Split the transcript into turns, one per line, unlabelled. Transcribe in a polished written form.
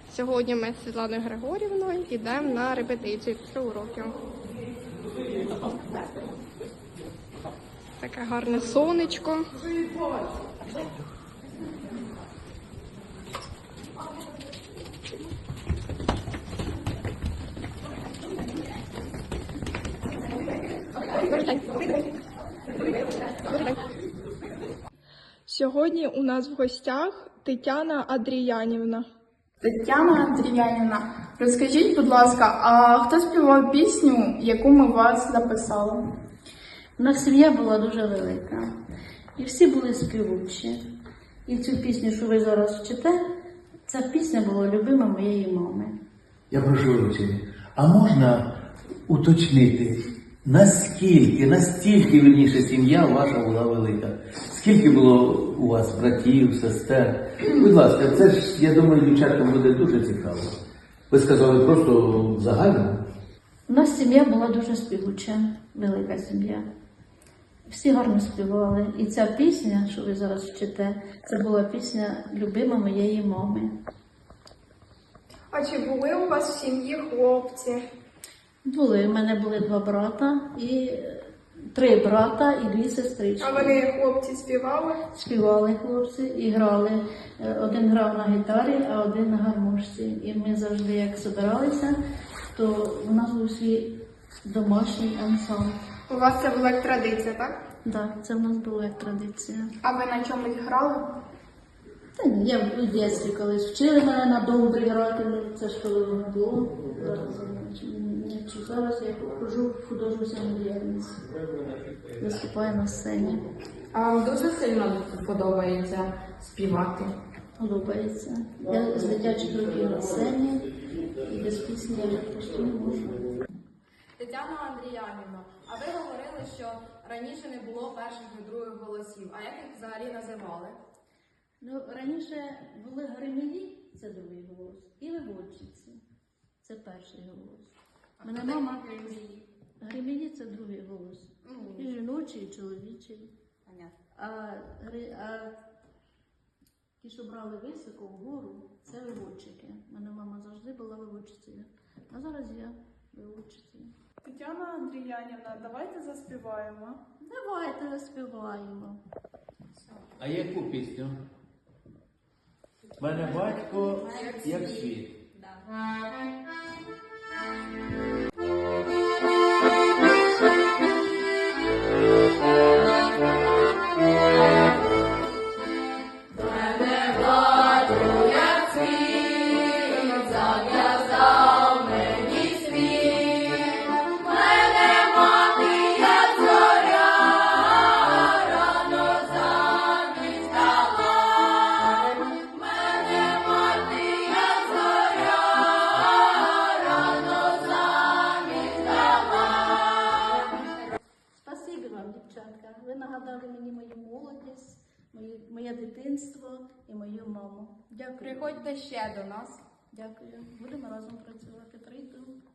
Сьогодні ми з Світланою Григорівною йдемо на репетицію після уроків. Таке гарне сонечко. Сьогодні у нас в гостях Тетяна Андріянівна.
Тетяна Андріянівна, розкажіть, будь ласка, а хто співав пісню, яку ми вас записали?
У нас сім'я була дуже велика, і всі були співучі. І цю пісню, що ви зараз вчите, ця пісня була любима моєї мами.
Я прошу вибачення, а можна уточнити, настільки верніше сім'я ваша була велика? Скільки було у вас братів, сестер? Будь ласка, це ж, я думаю, дівчаткам буде дуже цікаво. Ви сказали просто загально?
У нас сім'я була дуже співуча, велика сім'я. Всі гарно співали. І ця пісня, що ви зараз вчите, це була пісня любима моєї мами.
А чи були у вас в сім'ї хлопці?
Були, у мене були 2 брата, і 3 брата і 2 сестрички.
А вони, хлопці, співали?
Співали хлопці і грали. Один грав на гітарі, а один на гармошці. І ми завжди, як збиралися, то у нас був свій домашній ансамбль.
У вас це була як традиція, так?
Так, це в нас було як традиція.
А ви на чомусь грали?
Та ні, я в дитинстві колись вчили мене на добрі грати, ну це ж коли воно було. Зараз я ходжу в художню самодіяльність. Виступаю на сцені.
А вам дуже сильно подобається співати?
Подобається. Я з дитячих років на сцені і без пісні я просто не можу.
Тетяна Андріянівна, а ви говорили, що раніше не було перших і других голосів. А як їх взагалі називали?
Ну, раніше були гримілі, це другий голос, і виводчиці, це перший голос. Мене мама гримілі це другий голос. І жіночий, і чоловічий. А ті, що брали високо вгору, це виводчики. Мене мама завжди була виводчицею. А зараз я виводчицею.
Тетяна Андріянівна, давайте заспіваємо.
Давайте заспіваємо.
А яку пісню? Мене батько як світ.
Спасибі вам, дівчатка. Ви нагадали мені мою молодість, моє дитинство і мою маму. Дякую.
Приходьте ще до нас.
Дякую. Будемо разом працювати. Прийду.